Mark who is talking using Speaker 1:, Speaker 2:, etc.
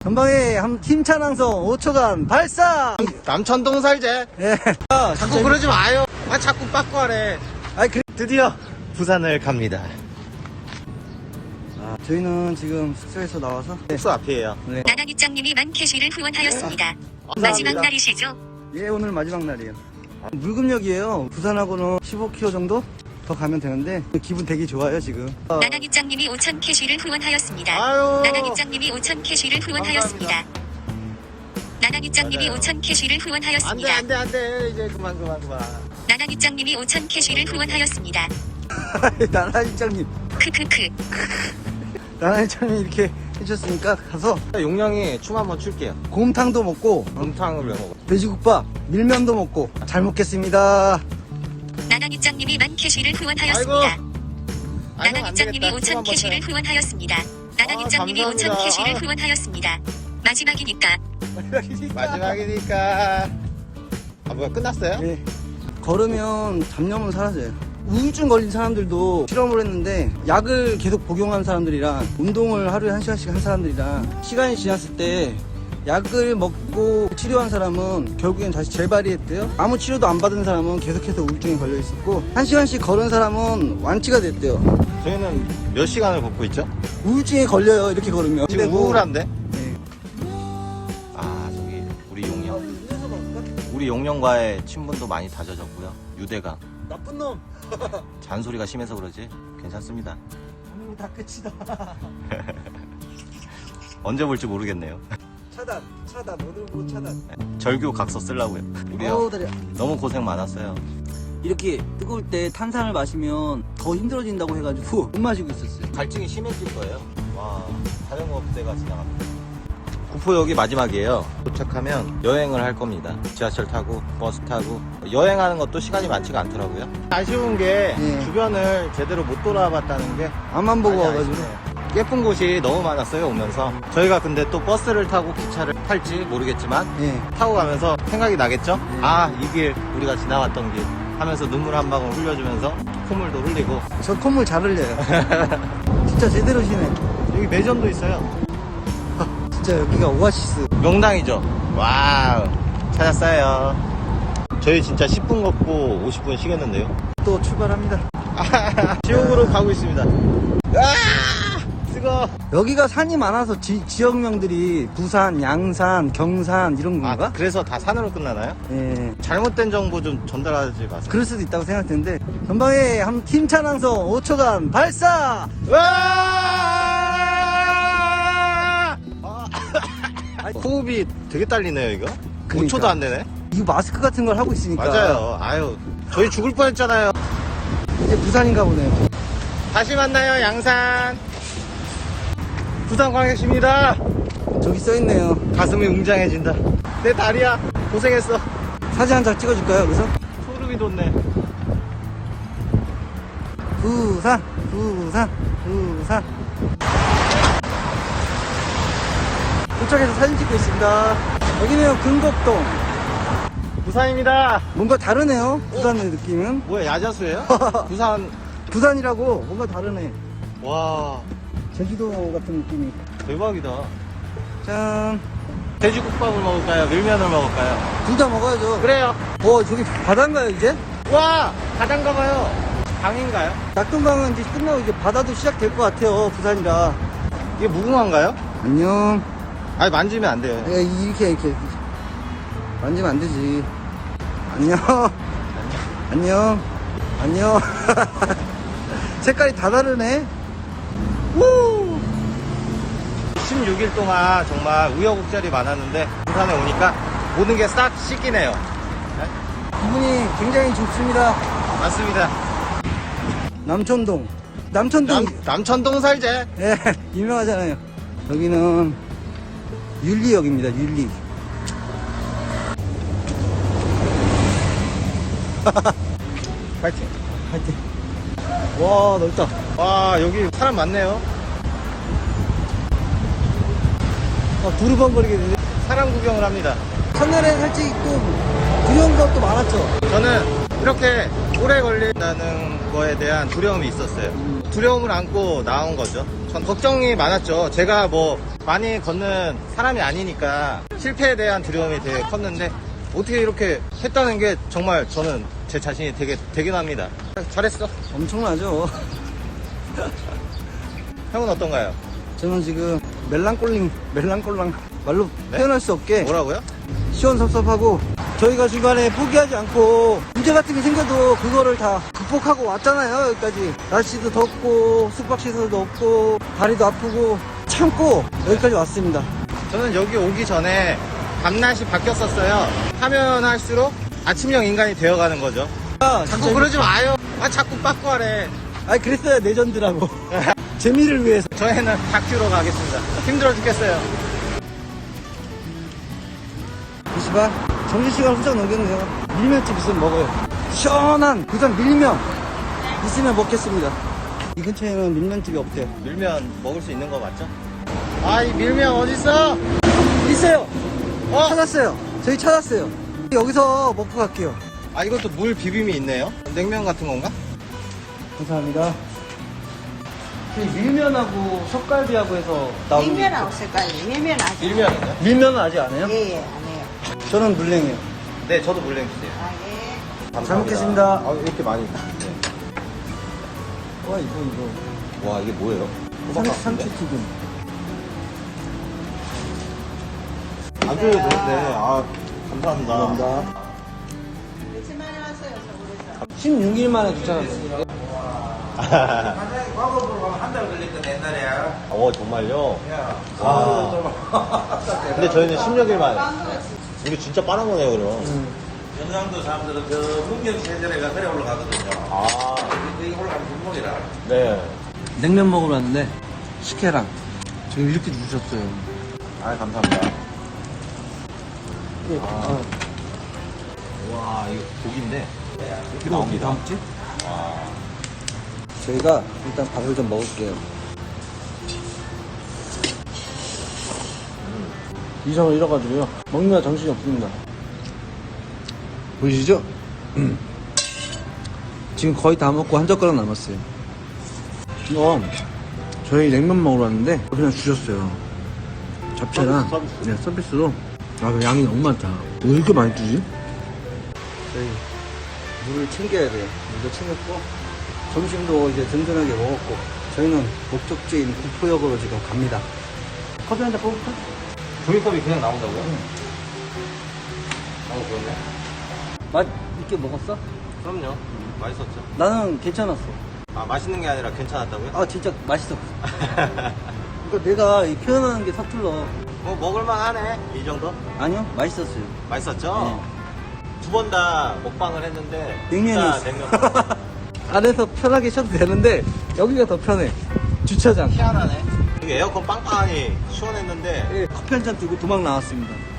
Speaker 1: 전방에 한 힘찬 항성 5초간 발사!
Speaker 2: 남천동 살제.
Speaker 1: 예.
Speaker 2: 자꾸 그러지 마요. 아, 자꾸 빠꾸하래. 드디어 부산을 갑니다.
Speaker 1: 저희는 지금 숙소에서 나와서
Speaker 2: 숙소 앞이에요.
Speaker 1: 네.
Speaker 3: 나나기장님이 만캐시를 후원하였습니다. 마지막
Speaker 1: 감사합니다.
Speaker 3: 날이시죠?
Speaker 1: 예, 오늘 마지막 날이에요. 물금역이에요. 부산하고는 15km 정도 더 가면 되는데 기분 되게 좋아요 지금.
Speaker 3: 나나기장님이 5천 캐시를 후원하였습니다.
Speaker 2: 아유.
Speaker 3: 나나기장님이 5천 캐시를 후원하였습니다. 나나기장님이
Speaker 2: 맞아요.
Speaker 3: 5천 캐시를
Speaker 2: 안 돼,
Speaker 3: 후원하였습니다.
Speaker 2: 안 돼, 안 돼. 이제 그만.
Speaker 3: 나나기장님이 5천 캐시를 후원하였습니다.
Speaker 1: 나나일장님,
Speaker 3: 크크크.
Speaker 1: 나나일장님 이렇게 해주셨으니까 가서
Speaker 2: 용량이 춤 한번 출게요.
Speaker 1: 곰탕도 먹고
Speaker 2: 곰탕을 왜 먹어?
Speaker 1: 돼지국밥, 밀면도 먹고 잘 먹겠습니다.
Speaker 3: 나나기장님이 만 캐시를 후원하였습니다.
Speaker 2: 아이고,
Speaker 3: 나나기장님이
Speaker 2: 안 되겠다. 춤
Speaker 3: 5천
Speaker 2: 한번
Speaker 3: 캐시를 후원하였습니다. 나나기장님이 5천
Speaker 2: 감사합니다.
Speaker 3: 캐시를 후원하였습니다. 마지막이니까.
Speaker 2: 마지막이니까. 아, 뭐야, 끝났어요?
Speaker 1: 예. 걸으면 잡념은 사라져요. 우울증 걸린 사람들도 실험을 했는데 약을 계속 복용한 사람들이랑 운동을 하루에 1시간씩 한 사람들이랑 시간이 지났을 때 약을 먹고 치료한 사람은 결국엔 다시 재발이 했대요. 아무 치료도 안 받은 사람은 계속해서 우울증에 걸려 있었고 1시간씩 걸은 사람은 완치가 됐대요.
Speaker 2: 저희는 몇 시간을 걷고 있죠?
Speaker 1: 우울증에 걸려요 이렇게 걸으면.
Speaker 2: 지금
Speaker 1: 근데 뭐-
Speaker 2: 우울한데?
Speaker 1: 네.
Speaker 2: 아, 저기 우리 용령. 우리 용령과의 친분도 많이 다져졌고요. 유대가
Speaker 1: 나쁜 놈.
Speaker 2: 잔소리가 심해서 그러지 괜찮습니다.
Speaker 1: 오늘 다 끝이다.
Speaker 2: 언제 볼지 모르겠네요.
Speaker 1: 차단 오늘 못 차단.
Speaker 2: 절규 각서 쓰려고요. 우리 형
Speaker 1: 어우, 다리야.
Speaker 2: 너무 고생 많았어요.
Speaker 1: 이렇게 뜨거울 때 탄산을 마시면 더 힘들어진다고 해가지고 못 마시고 있었어요.
Speaker 2: 갈증이 심해질 거예요. 와, 자전거 부대가 지나갑니다. 구포역이 마지막이에요. 도착하면 여행을 할 겁니다. 지하철 타고 버스 타고 여행하는 것도 시간이 많지가 않더라고요. 아쉬운 게
Speaker 1: 네.
Speaker 2: 주변을 제대로 못 돌아봤다는 게
Speaker 1: 앞만 보고
Speaker 2: 많이
Speaker 1: 와가지고.
Speaker 2: 아쉽네요. 예쁜 곳이 너무 많았어요 오면서. 저희가 근데 또 버스를 타고 기차를 탈지 모르겠지만
Speaker 1: 예.
Speaker 2: 타고 가면서 생각이 나겠죠?
Speaker 1: 네.
Speaker 2: 아, 이 길 우리가 지나왔던 길 하면서 눈물 한 방울 흘려주면서 콧물도 흘리고.
Speaker 1: 저 콧물 잘 흘려요. 진짜 제대로 쉬네.
Speaker 2: 여기 매점도 있어요.
Speaker 1: 진짜 여기가 오아시스.
Speaker 2: 명당이죠. 와우, 찾았어요. 저희 진짜 10분 걷고 50분 쉬겠는데요.
Speaker 1: 또 출발합니다.
Speaker 2: 지옥으로 가고 있습니다. 아, 뜨거.
Speaker 1: 여기가 산이 많아서 지역명들이 부산, 양산, 경산 이런 건가?
Speaker 2: 아, 그래서 다 산으로 끝나나요?
Speaker 1: 예.
Speaker 2: 잘못된 정보 좀 전달하지 마세요.
Speaker 1: 그럴 수도 있다고 생각되는데 전방에 한 힘찬 항성 5초간 발사!
Speaker 2: 호흡이 되게 딸리네요, 이거.
Speaker 1: 그러니까.
Speaker 2: 5초도 안 되네.
Speaker 1: 이거 마스크 같은 걸 하고 있으니까.
Speaker 2: 맞아요. 아유, 저희 죽을 뻔했잖아요.
Speaker 1: 이제 부산인가 보네요.
Speaker 2: 다시 만나요, 양산. 부산광역시입니다.
Speaker 1: 저기 써있네요.
Speaker 2: 가슴이 웅장해진다. 내 다리야. 고생했어.
Speaker 1: 사진 한 장 찍어줄까요, 여기서?
Speaker 2: 소름이 돋네.
Speaker 1: 부산. 도착해서 사진 찍고 있습니다. 여기는 금곡동.
Speaker 2: 부산입니다.
Speaker 1: 뭔가 다르네요. 부산의 느낌은.
Speaker 2: 뭐야, 야자수예요? 부산.
Speaker 1: 부산이라고 뭔가 다르네.
Speaker 2: 와,
Speaker 1: 제주도 같은 느낌이.
Speaker 2: 대박이다.
Speaker 1: 짠.
Speaker 2: 돼지국밥을 먹을까요? 밀면을 먹을까요?
Speaker 1: 둘 다 먹어야죠.
Speaker 2: 그래요.
Speaker 1: 저기 바다인가요, 이제?
Speaker 2: 와, 바다인가 봐요. 강인가요?
Speaker 1: 낙동강은 이제 끝나고 이제 바다도 시작될 것 같아요, 부산이라.
Speaker 2: 이게 무궁화인가요?
Speaker 1: 안녕.
Speaker 2: 아니, 만지면 안 돼요.
Speaker 1: 이렇게. 만지면 안 되지. 안녕. 안녕. 색깔이 다 다르네. 우!
Speaker 2: 16일 동안 정말 우여곡절이 많았는데 부산에 오니까 모든 게 싹 씻기네요.
Speaker 1: 기분이 굉장히 좋습니다.
Speaker 2: 맞습니다.
Speaker 1: 남천동.
Speaker 2: 남천동 살제.
Speaker 1: 예, 유명하잖아요. 여기는 윤리역입니다, 윤리.
Speaker 2: 파이팅.
Speaker 1: 하여튼. 와, 넓다.
Speaker 2: 와, 여기 사람 많네요.
Speaker 1: 두루번거리게 되네.
Speaker 2: 사람 구경을 합니다.
Speaker 1: 첫날에 살짝 또 두려운 것도 많았죠.
Speaker 2: 저는 이렇게 오래 걸린다는 거에 대한 두려움이 있었어요. 두려움을 안고 나온 거죠. 전 걱정이 많았죠. 제가 뭐 많이 걷는 사람이 아니니까 실패에 대한 두려움이 되게 컸는데 어떻게 이렇게 했다는 게 정말 저는 제 자신이 되게 대견합니다. 잘했어.
Speaker 1: 엄청나죠.
Speaker 2: 형은 어떤가요?
Speaker 1: 저는 지금 멜랑꼴랑 말로
Speaker 2: 네?
Speaker 1: 표현할 수 없게
Speaker 2: 뭐라고요?
Speaker 1: 시원섭섭하고, 저희가 중간에 포기하지 않고 문제 같은 게 생겨도 그거를 다 극복하고 왔잖아요. 여기까지 날씨도 덥고 숙박시설도 없고 다리도 아프고 참고 여기까지 왔습니다.
Speaker 2: 저는 여기 오기 전에 밤낮이 바뀌었었어요. 하면 할수록 아침형 인간이 되어가는 거죠. 자꾸 그러지 마요. 자꾸 빠꾸하래.
Speaker 1: 아니 그랬어야 레전드라고. 재미를 위해서.
Speaker 2: 저희는 다큐로 가겠습니다. 힘들어 죽겠어요.
Speaker 1: 2시간? 점심시간 훌쩍 넘겼네요. 밀면집 있으면 먹어요. 시원한 부산 밀면 있으면 먹겠습니다. 이 근처에는 밀면집이 없대요.
Speaker 2: 밀면 먹을 수 있는 거 맞죠? 아, 이 밀면 어딨어?
Speaker 1: 있어요.
Speaker 2: 어?
Speaker 1: 찾았어요. 저희 찾았어요. 여기서 먹고 갈게요.
Speaker 2: 아, 이것도 물 비빔이 있네요. 냉면 같은 건가?
Speaker 1: 감사합니다. 저희 밀면하고 석갈비하고 해서 나오는 게
Speaker 4: 밀면하고 색깔이 밀면 아직
Speaker 2: 밀면인가요?
Speaker 1: 있어요. 밀면은 아직 안 해요?
Speaker 4: 예예 안 해요.
Speaker 1: 저는 물냉이에요.
Speaker 2: 네, 저도 물냉 주세요.
Speaker 4: 아 예.
Speaker 1: 잘 먹겠습니다.
Speaker 2: 아, 이렇게 많이. 네.
Speaker 1: 와 이거
Speaker 2: 와, 이게 뭐예요?
Speaker 1: 참치튀김.
Speaker 2: 안 줘도 되는데. 아, 감사합니다.
Speaker 1: 감사합니다.
Speaker 4: 며칠 만에 왔어요 서울에서.
Speaker 1: 16일 만에 도착했어요.
Speaker 2: 정말요? 와. 근데 저희는 16일 만에. 우리 진짜 빠른 거네요, 그럼.
Speaker 5: 경상도 사람들은 그 문경 세전에가 그래 올라가거든요.
Speaker 2: 아,
Speaker 5: 여기 올라가면 금목이라.
Speaker 2: 네.
Speaker 1: 냉면 먹으러 왔는데 식혜랑 지금 이렇게 주셨어요.
Speaker 2: 아, 감사합니다.
Speaker 1: 아,
Speaker 2: 와, 이거 고기인데. 이렇게
Speaker 1: 이거
Speaker 2: 나옵니다.
Speaker 1: 먹지?
Speaker 2: 와.
Speaker 1: 저희가 일단 밥을 좀 먹을게요. 이성을 잃어가지고요. 먹느라 정신이 없습니다. 보이시죠? 지금 거의 다 먹고 한 젓가락 남았어요. 이거 저희 냉면 먹으러 왔는데 그냥 주셨어요. 잡채랑
Speaker 2: 서비스.
Speaker 1: 네, 서비스로. 아, 그 양이 너무 많다. 왜 이렇게 많이 주지? 저희 물을 챙겨야 돼요. 물도 챙겼고 점심도 이제 든든하게 먹었고 저희는 목적지인 구포역으로 지금 갑니다. 커피 한 잔 뽑을까?
Speaker 2: 종이컵이 그냥 나온다고요? 그렇네.
Speaker 1: 맛 있게 먹었어?
Speaker 2: 그럼요. 맛있었죠.
Speaker 1: 나는 괜찮았어.
Speaker 2: 아, 맛있는 게 아니라 괜찮았다고요?
Speaker 1: 아 진짜 맛있었어. 그러니까 내가 이 표현하는 게 서툴러.
Speaker 2: 뭐, 먹을만 하네. 이 정도?
Speaker 1: 아니요, 맛있었어요.
Speaker 2: 맛있었죠? 두 번 다 먹방을 했는데.
Speaker 1: 냉면이
Speaker 2: 진짜
Speaker 1: 있어.
Speaker 2: 냉면.
Speaker 1: 안에서 편하게 쉬어도 되는데 여기가 더 편해. 주차장.
Speaker 2: 희한하네. 여기 에어컨 빵빵하니 시원했는데.
Speaker 1: 예, 커피 한 잔 들고 도망 나왔습니다.